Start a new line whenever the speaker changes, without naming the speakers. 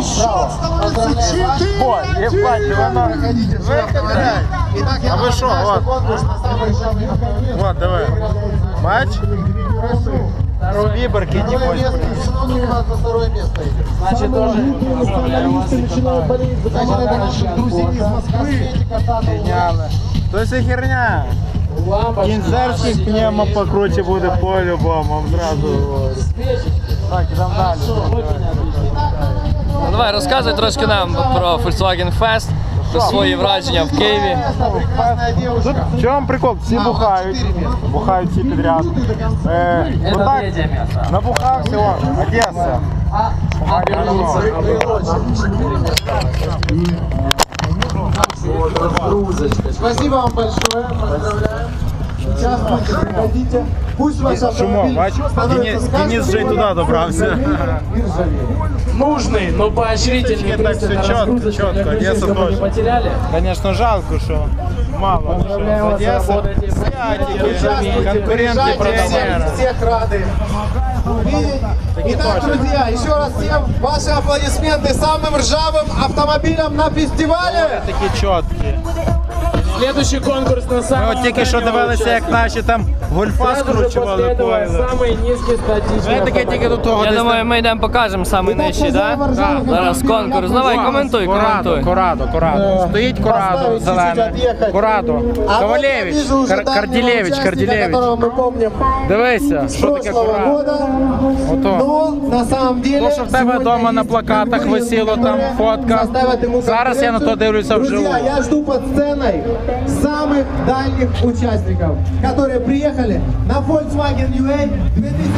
Счет становится 4-1.
Ой, ебать, воно... А ви що, от. Вот, давай. Бач? З виборки не можеш.
Значит, тоже поздравляю вас.
Геніально. То це херня. Кінзерський пневмо покруче буде по-любому, зразу говорю. Так, ідемо далі.
Ну, давай, розказуй трошки нам про Volkswagen Fest, про свої враження в Києві.
Тут в чому прикол? Всі бухають всі підряд. Ну так, набухався, о, Одеса.
Спасибо вам большое, поздравляю. Сейчас приходите. Пусть ваш автомобиль становится
Денис же туда добрался.
Нужный, но поощрительный
Так все четко, Одесса тоже.
потеряли.
Конечно, жалко, что мало. Одесса, конкуренты премьера.
всех рады видеть. Итак, друзья, еще раз всем ваши аплодисменты самым ржавым автомобилям на фестивале.
Такі чіткі.
Следующий конкурс на
Ми
самом
от тільки що дивилися, як наші там гольфа скручували поїли.
самый низкий статичный
Ми таке тільки до того.
Я думаю, ми йдемо покажемо самий нижчий, так? Зараз конкурс. Давай, коментуй, коментуй.
Корадо. Стоїть Корадо зелене. Корадо. Ковалевич, Карділевич.
Которого мы помним
Дивися,
с
що таке
прошлого
Корадо.
года.
Ото.
Но на самом деле
То, що в тебе вдома на плакатах висіло, там фотка. Зараз я на то дивлюся вживу.
Друзья, я жду под сценой самых дальних участников, которые приехали на Volkswagen UA 2000